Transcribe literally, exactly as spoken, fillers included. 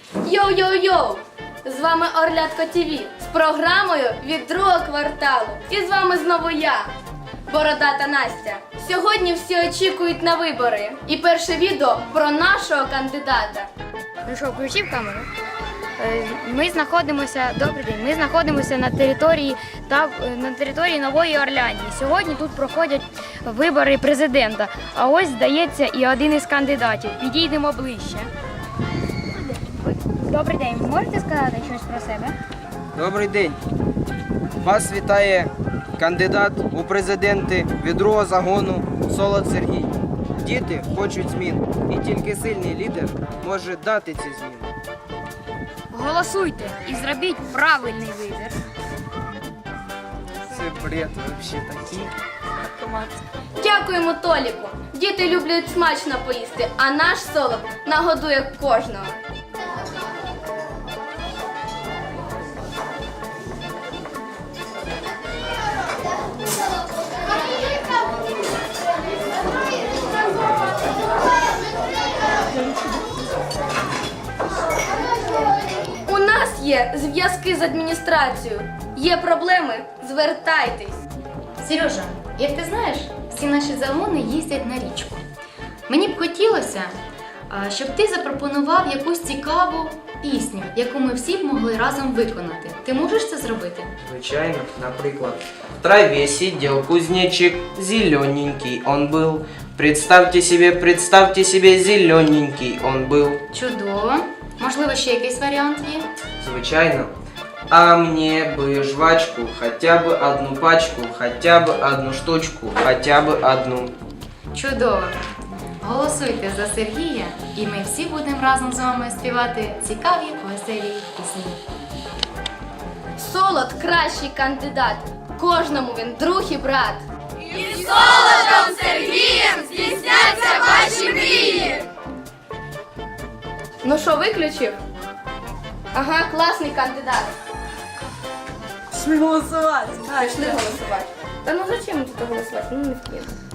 Йоу-йоу-йоу! З вами Орлятко ТВ з програмою від другого кварталу. І з вами знову я, Бородата Настя. Сьогодні всі очікують на вибори. І перше відео про нашого кандидата. Ну що, включив камеру? Е, Ми знаходимося, добрий день, ми знаходимося на території та на території Нової Орлянії. Сьогодні тут проходять вибори президента. А ось, здається, і один із кандидатів. Підійдемо ближче. Добрий день, ви можете сказати щось про себе? Добрий день. Вас вітає кандидат у президенти від другого загону Солод Сергій. Діти хочуть змін, і тільки сильний лідер може дати ці зміни. Голосуйте і зробіть правильний вибір. Це бред взагалі такий. Дякуємо Толіку. Діти люблять смачно поїсти, а наш Солод нагодує кожного. У нас є зв'язки з адміністрацією. Є проблеми? Звертайтесь. Сережа, як ти знаєш, всі наші загони їздять на річку. Мені б хотілося, а, щоб ти запропонував якусь цікаву пісню, яку ми всі б могли разом виконати. Ти можеш це зробити? Звичайно, наприклад. В траве сидел кузнечик, зелененький он был. Представьте себе, представьте себе, зелененький он был. Чудово. Можливо, ще якийсь варіант є? Звичайно. А мне бы жвачку, хотя бы одну пачку, хотя бы одну штучку, хотя бы одну. Чудово. Голосуйте за Сергія, і ми всі будемо разом з вами співати цікаві, веселі пісні. Солод кращий кандидат. Кожному він друг і брат. І Солодом Сергієм здійсняться ваші мрії! Ну що, виключив? Ага, класний кандидат. Пішли голосувати. А, пішли голосувати. Та ну зачем тут голосувати? Ну не вкину.